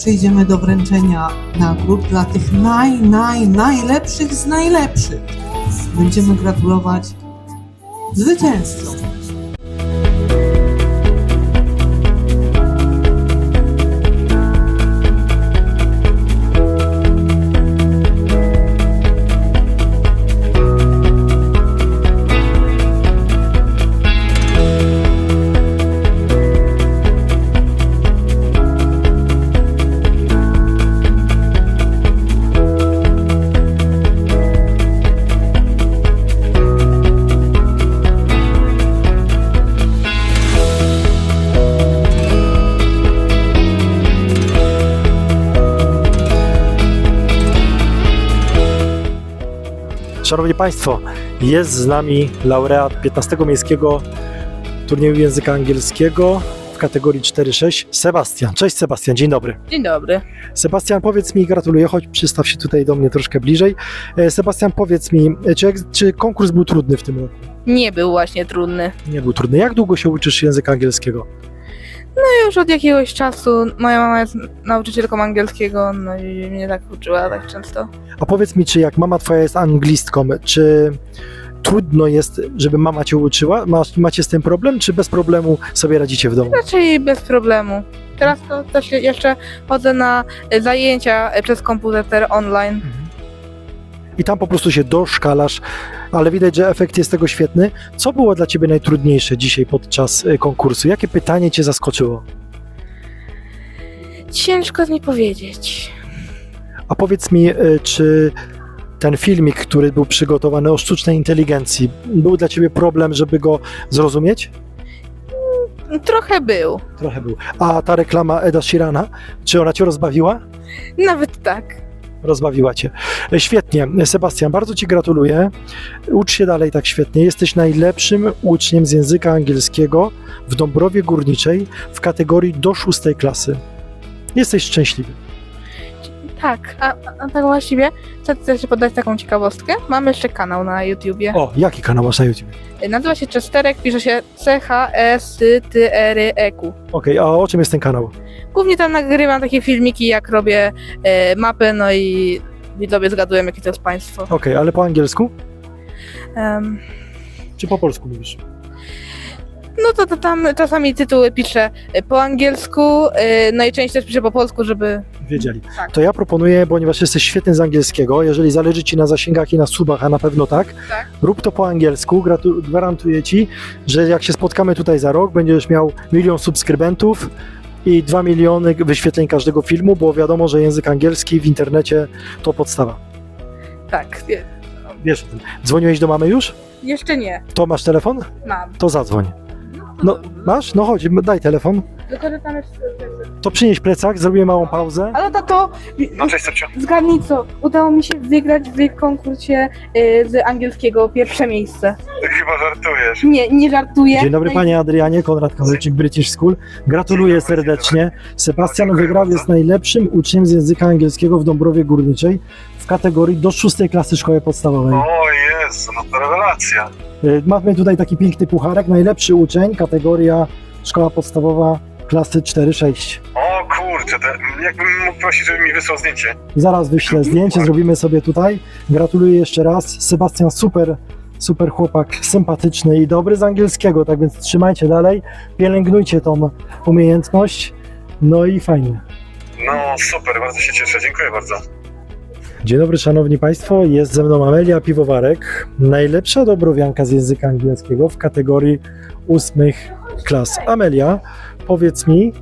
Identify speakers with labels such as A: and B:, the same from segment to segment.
A: przejdziemy do wręczenia nagród dla tych najlepszych z najlepszych. Będziemy gratulować zwycięzcom.
B: Szanowni Państwo, jest z nami laureat 15. Miejskiego Turnieju Języka Angielskiego w kategorii 4-6, Sebastian. Cześć Sebastian, dzień dobry.
C: Dzień dobry.
B: Sebastian, powiedz mi, gratuluję, choć przystaw się tutaj do mnie troszkę bliżej. Sebastian, powiedz mi, czy konkurs był trudny w tym roku?
C: Nie był właśnie trudny.
B: Nie był trudny. Jak długo się uczysz języka angielskiego?
C: No już od jakiegoś czasu. Moja mama jest nauczycielką angielskiego, no i mnie tak uczyła tak często.
B: A powiedz mi, czy jak mama twoja jest anglistką, czy trudno jest, żeby mama cię uczyła? Macie z tym problem, czy bez problemu sobie radzicie w domu?
C: Raczej bez problemu. Teraz to też jeszcze chodzę na zajęcia przez komputer online.
B: I tam po prostu się doszkalasz, ale widać, że efekt jest tego świetny. Co było dla ciebie najtrudniejsze dzisiaj podczas konkursu? Jakie pytanie cię zaskoczyło?
C: Ciężko mi powiedzieć.
B: A powiedz mi, czy ten filmik, który był przygotowany o sztucznej inteligencji, był dla ciebie problem, żeby go zrozumieć?
C: Trochę był.
B: Trochę był. A ta reklama Eda Sheerana, czy ona cię rozbawiła?
C: Nawet tak.
B: Rozbawiła cię. Świetnie. Sebastian, bardzo ci gratuluję. Ucz się dalej tak świetnie. Jesteś najlepszym uczniem z języka angielskiego w Dąbrowie Górniczej w kategorii do 6. klasy. Jesteś szczęśliwy.
C: Tak, a tak właściwie chcę się podać taką ciekawostkę. Mam jeszcze kanał na YouTubie.
B: O, jaki kanał masz na YouTube?
C: Nazywa się Chesterek, pisze się CHESTREQ.
B: Okej, a o czym jest ten kanał?
C: Głównie tam nagrywam takie filmiki, jak robię mapę, no i widzowie zgadują, jakie to jest państwo.
B: Okej, ale po angielsku?
C: Em,
B: Czy po polsku mówisz?
C: no to tam czasami tytuły piszę po angielsku, no i część też piszę po polsku, żeby...
B: Wiedzieli.
C: Tak.
B: To ja proponuję, ponieważ jesteś świetny z angielskiego, jeżeli zależy ci na zasięgach i na subach, a na pewno tak, rób to po angielsku. Gwarantuję ci, że jak się spotkamy tutaj za rok, będziesz miał 1 milion subskrybentów i 2 miliony wyświetleń każdego filmu, bo wiadomo, że język angielski w internecie to podstawa.
C: Tak,
B: Wiesz o tym. Dzwoniłeś do mamy już?
C: jeszcze nie,
B: To masz telefon?
C: mam.
B: To zadzwoń. No, masz? No chodź, daj telefon.
C: Tylko, że tam jest...
B: To przynieś plecak, zrobimy małą pauzę.
C: Ale tato,
D: No cześć Sepcio.
C: zgadnij co, udało mi się wygrać w konkursie z angielskiego pierwsze miejsce.
D: Chyba żartujesz.
C: Nie żartuję.
B: Dzień dobry panie Adrianie, Konrad Kowalczyk, British School. Gratuluję serdecznie. Sebastian wygrał, jest najlepszym uczniem z języka angielskiego w Dąbrowie Górniczej w kategorii do 6. klasy szkoły podstawowej.
D: O Jezu, no to rewelacja.
B: Mamy tutaj taki piękny pucharek, najlepszy uczeń, kategoria szkoła podstawowa klasy 4-6.
D: O kurczę, jakbym mógł prosić, żeby mi wysłał zdjęcie.
B: Zaraz wyślę zdjęcie, zrobimy sobie tutaj. Gratuluję jeszcze raz. Sebastian super chłopak, sympatyczny i dobry z angielskiego, tak więc trzymajcie dalej, pielęgnujcie tą umiejętność, no i fajnie.
D: No super, bardzo się cieszę, dziękuję bardzo.
B: Dzień dobry szanowni państwo, jest ze mną Amelia Piwowarek, najlepsza dobrowianka z języka angielskiego w kategorii 8 klas. Amelia, powiedz mi,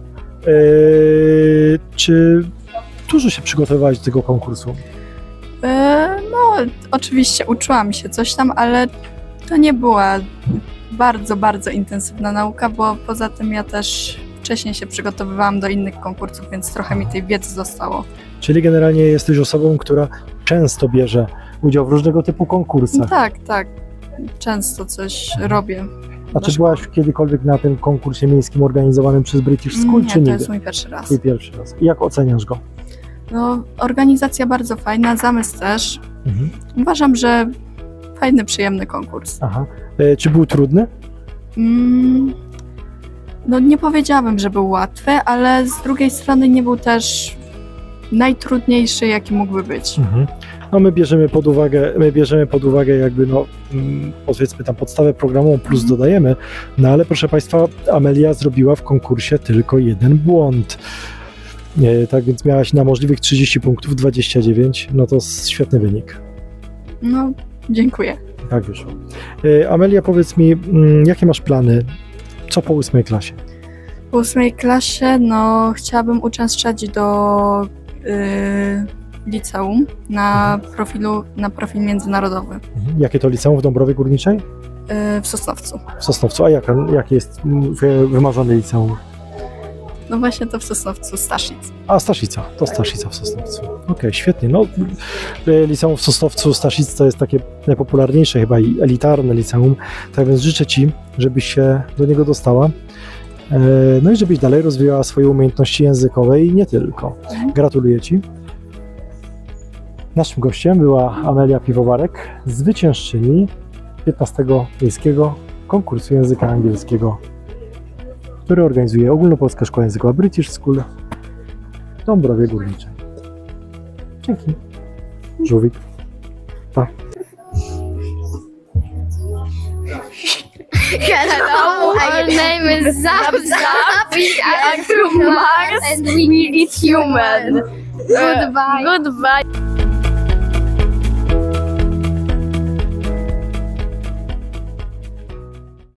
B: czy dużo się przygotowywałaś do tego konkursu?
E: No, oczywiście uczyłam się coś tam, ale to nie była bardzo intensywna nauka, bo poza tym ja też wcześniej się przygotowywałam do innych konkursów, więc trochę mi tej wiedzy zostało.
B: Czyli generalnie jesteś osobą, która często bierze udział w różnego typu konkursach.
E: Tak, często coś robię.
B: A czy byłaś kiedykolwiek na tym konkursie miejskim organizowanym przez British School, czy
E: Nie, to
B: nie?
E: jest mój pierwszy raz.
B: Twój pierwszy raz. I jak oceniasz go?
E: No, organizacja bardzo fajna, zamysł też. Uważam, że fajny, przyjemny konkurs.
B: Aha. Czy był trudny?
E: No nie powiedziałabym, że był łatwy, ale z drugiej strony nie był też najtrudniejszy, jaki mógłby być.
B: No my bierzemy pod uwagę jakby powiedzmy tam podstawę programową plus dodajemy, no ale proszę Państwa, Amelia zrobiła w konkursie tylko jeden błąd. Tak więc miałaś na możliwych 30 punktów 29, no to świetny wynik.
E: No, dziękuję.
B: Tak wyszło. Amelia, powiedz mi, jakie masz plany? Co po 8 klasie?
E: W 8 klasie, no, chciałabym uczęszczać do liceum na profil międzynarodowy
B: Jakie to liceum w Dąbrowie Górniczej?
E: w Sosnowcu.
B: W Sosnowcu. A jakie jest wymarzone liceum?
E: No właśnie to w Sosnowcu, Staszic.
B: A, Staszica. To Staszica w Sosnowcu. Okej, świetnie. No, liceum w Sosnowcu, Staszic to jest takie najpopularniejsze chyba i elitarne liceum. Tak więc życzę Ci, żebyś się do niego dostała. No i żebyś dalej rozwijała swoje umiejętności językowe i nie tylko. Gratuluję Ci. Naszym gościem była Amelia Piwowarek, zwyciężczyni 15. Miejskiego Konkursu Języka Angielskiego, który organizuje Ogólnopolska Szkoła Językowa British School w Dąbrowie Górniczej. Dzięki. Żółwik. Pa.
F: Hello, our name is Zap Zap. We are from Mars and we eat human. Goodbye. Goodbye.